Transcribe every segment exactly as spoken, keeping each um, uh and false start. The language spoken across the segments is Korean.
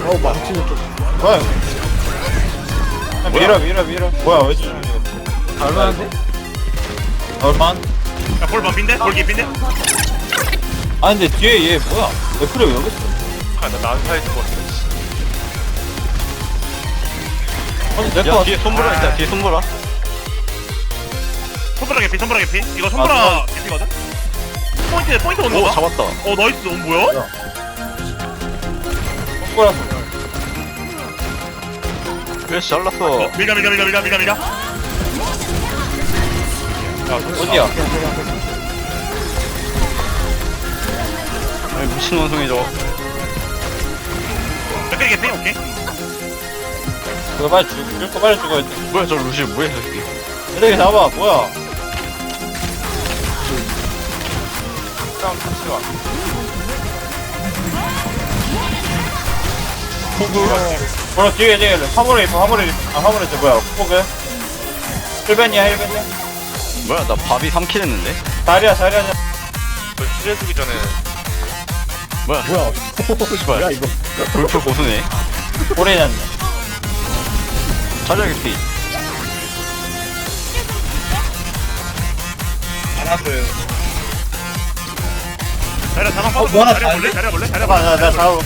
어 망치는 좀 뭐야 이거? 야, 밀어 밀어 밀어. 뭐야 왜 지금 이거? 잘만한데? 얼만? 야, 볼 반핀데? 볼 개핀데? 아 근데 뒤에 얘 뭐야? 왜 그래 왜 여기 있어? 아나 난사에 죽었어. 아니 내거 야 같 뒤에 손보라 있다. 뒤에 손보라. 손브라 개피 손브라 개피. 이거 손브라 개피거든? 포인트 포인트 오는 오 거 봐. 잡았다. 어 나이스. 어 뭐야? 손가락 그래 잘랐어. 어, 밀가 밀가 밀가 밀가 밀가 밀가. 어디야? 아이, 미친 원숭이 저거. 몇개 개피? 오케이. 그거 빨리 죽, 죽을 거 빨리 죽어야 돼. 뭐야 저 루시 뭐야 저 새끼. 이렇게 잡아 뭐야? 싸움 같이 와. 뭐라 뒤에 뒤에 화물에 있어 화물에 있어. 아 화물에 있어 뭐야? 포그? 힐벤이야 힐벤이야? 뭐야 나 밥이 삼 킬 했는데. 자리야 자리야. 저 시절 쓰기 전에 뭐야 뭐야 씨발. 뭐야 이거 골프 고수네. 오래 났네. 자리야 개피. 알았어요. 자리야 자방 어, 빠져. 뭐 하나 자리야 볼래? 잘해? 자리야 볼래? 자리야 잠깐 나나 볼래? 잡아볼게.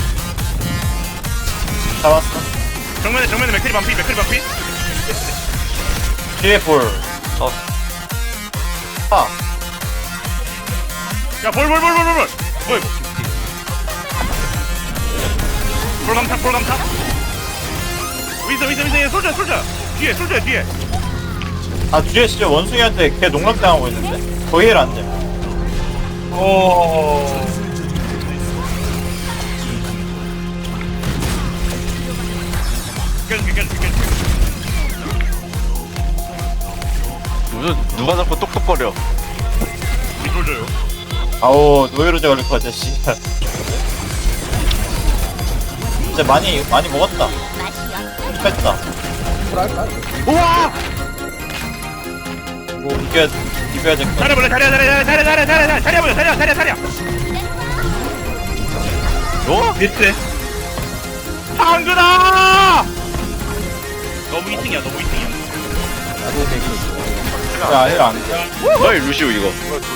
잡았어. 정면에 정면에 맥크리 반피 맥크리 반피. 뒤에 볼. 어. 아. 야볼볼볼볼볼 볼. 뭐야 이거? 볼 감탄 볼 감탄. 위서 위서 위서 솔져 솔져. 뒤에 솔져 뒤에. 아 뒤에 진짜 원숭이한테 걔 농락당하고 있는데? 거의 힐 안 돼. 오. 깨줄게 깨줄게 깨줄게. 무슨 누가 자꾸 똑똑거려. 우리 솔져요. 아우 노예로제 걸릴 것 같아 씨. 진짜 많이 많이 먹었다. 뺐다. 뭐랄까 우와. 이거 이겨야 이겨야 될 것 같아. 자리야 볼래? 자리야 자리야 자리야 자리야 자리야 자리야 보여 자리야 자리야 자리야. 어? 밑에. 당근아! 너무 이 등이야 너무 이 등이야. 나도 되게 야, 힐 안 돼. 뭐야 이 루시오 이거.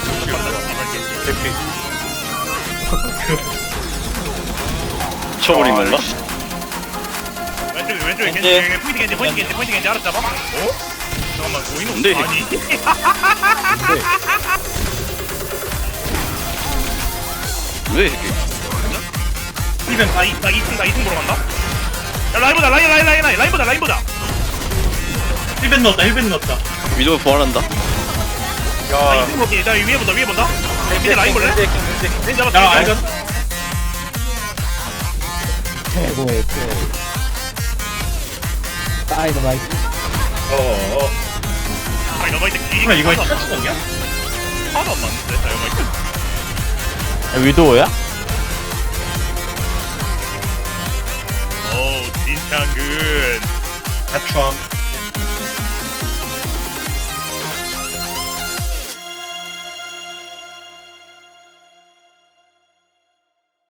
쳐버린 건가? 왼쪽에 왼쪽에 겐지. 겐지 포인트 겐지 포인트 겐지 포인트 겐지 알았잡아? 어? 잠깐만 보이는 뭔데, 이 아니 왜 이렇게? 이번 나이나 이승 나 이승 보러 간다. 야 라인 보자 라인 라인 라인 라인 라인 보자 라인 보자. 힐벤 넣었다 힐벤 넣었다. 위도 부활한다. 나 이승 보기 나 위에 본다 위에 본다. 밑에 라인 볼래? 겐지 잡았다. 야 알겠. 최고의 플레이 다이너마이트 어어. 아니 너무 이제 기. 이거 이거 터치공이야? 하나도 안 맞는데 다이어마이트. 위도우야? 오 진창근. 대충.